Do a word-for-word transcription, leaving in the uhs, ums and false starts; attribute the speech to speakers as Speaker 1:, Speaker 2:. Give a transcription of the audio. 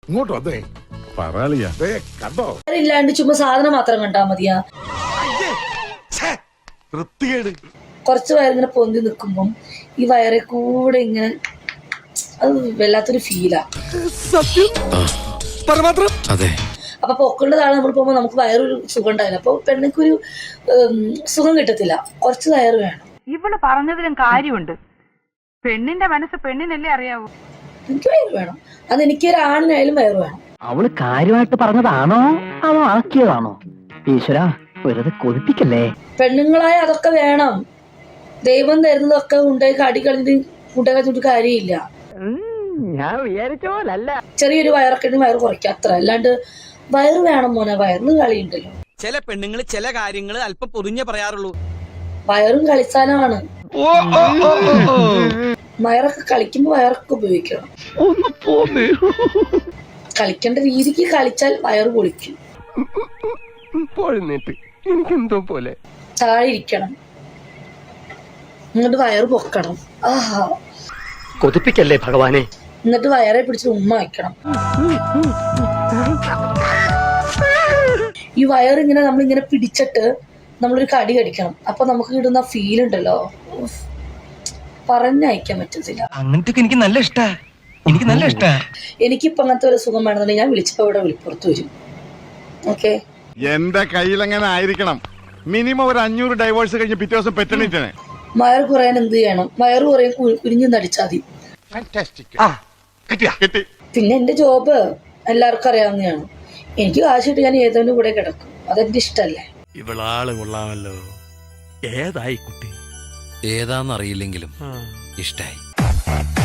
Speaker 1: ഇങ്ങോട്ട് വന്നേ പറയാളിയാ കണ്ടോ
Speaker 2: ഇല്ലാണ്ട് ചുമ്മാ സാധനം മാത്രം കണ്ടാ മതിയാ. കുറച്ച് വയറിങ്ങനെ പൊന്തി നിൽക്കുമ്പം ഈ വയറെ കൂടെ ഇങ്ങനെ അത് വല്ലാത്തൊരു ഫീലാ. അപ്പൊ പൊക്കളുടെ താഴെ നമ്മൾ പോകുമ്പോ നമുക്ക് വയറൊരു സുഖം ഉണ്ടാവില്ല. അപ്പൊ പെണ്ണിക്കൊരു സുഖം കിട്ടത്തില്ല. കുറച്ച് വയറ് വേണം.
Speaker 3: ഇവള് പറഞ്ഞതിലും കാര്യമുണ്ട്. പെണ്ണിന്റെ മനസ്സ് പെണ്ണിനല്ലേ അറിയാവൂ.
Speaker 2: എനിക്ക് വയറ് വേണം. അത് എനിക്കൊരു ആണിനായാലും വയറ് വേണം.
Speaker 4: അവള് കാര്യമായിട്ട് പറഞ്ഞതാണോ അതോ ആക്കിയതാണോ? ഈശ്വര വെറുതെ കൊതിപ്പിക്കല്ലേ.
Speaker 2: പെണ്ണുങ്ങളായ അതൊക്കെ വേണം. ദൈവം തരുന്നതൊക്കെ ഉണ്ടായി കടി കളഞ്ഞിട്ട് മുട്ട കളിച്ചിട്ട് കാര്യമില്ല.
Speaker 4: ഞാൻ വിചാരിച്ച പോലല്ല.
Speaker 2: ചെറിയൊരു വയറൊക്കെ വയറ് കുറയ്ക്കുക അത്ര. അല്ലാണ്ട് വയറ് വേണം മോനെ. വയറിന് കളിയുണ്ടല്ലോ.
Speaker 5: ചില പെണ്ണുങ്ങൾ ചില കാര്യങ്ങൾ അല്പം പൊറിഞ്ഞേ പറയാറുള്ളൂ.
Speaker 2: വയറും കളിസ്ഥാനമാണ്. വയറൊക്കെ കളിക്കുമ്പോ വയറൊക്കെ ഉപയോഗിക്കണം. കളിക്കേണ്ട രീതിക്ക് കളിച്ചാൽ വയറ് പൊളിക്കും.
Speaker 4: എനിക്കെന്തോ പോലെ
Speaker 2: താഴെ ഇരിക്കണം. എന്നിട്ട് വയറ് പൊക്കണം. ആഹാ
Speaker 4: കൊതിപ്പിക്കല്ലേ ഭഗവാനെ.
Speaker 2: എന്നിട്ട് വയറെ പിടിച്ച് ഉമ്മ വയ്ക്കണം. ഈ വയറിങ്ങനെ നമ്മളിങ്ങനെ പിടിച്ചിട്ട് നമ്മളൊരു കടി കടിക്കണം. അപ്പൊ നമുക്ക് കിട്ടുന്ന ഫീൽ ഉണ്ടല്ലോ, പറഞ്ഞയക്കാൻ പറ്റത്തില്ല.
Speaker 5: അങ്ങനത്തെ എനിക്ക് നല്ല ഇഷ്ടാ. എനിക്ക് നല്ല ഇഷ്ടാ.
Speaker 2: എനിക്കിപ്പോ അങ്ങനത്തെ ഒരു സുഖം വേണമെന്നുണ്ടെങ്കിൽ ഞാൻ വിളിച്ചപ്പോ ഇവിടെ വിളിപ്പുറത്ത് വരും. ഓക്കെ,
Speaker 1: എന്റെ കയ്യിൽ എങ്ങനെ ആയിരിക്കണം. മിനിമം ഒരു അഞ്ഞൂറ് ഡൈവേഴ്സ് കഴിഞ്ഞ് പിറ്റേ ദിവസം പെറ്റണിട്ടാണ്.
Speaker 2: വയറ് കുറയാൻ എന്ത് ചെയ്യണം? വയറ് കുറയാൻ കുരിഞ്ഞു നടിച്ചാൽ മതി. പിന്നെ എന്റെ ജോബ് എല്ലാവർക്കും അറിയാവുന്നതാണ്. എനിക്ക് കാശിട്ട് ഞാൻ ഏതോന്റെ കൂടെ കിടക്കും. അതെന്റെ ഇഷ്ടല്ലേ.
Speaker 6: ഇവളാള് കൊള്ളാമല്ലോ. ഏതായി കുട്ടി?
Speaker 7: ഏതാന്നറിയില്ലെങ്കിലും ഇഷ്ടായി.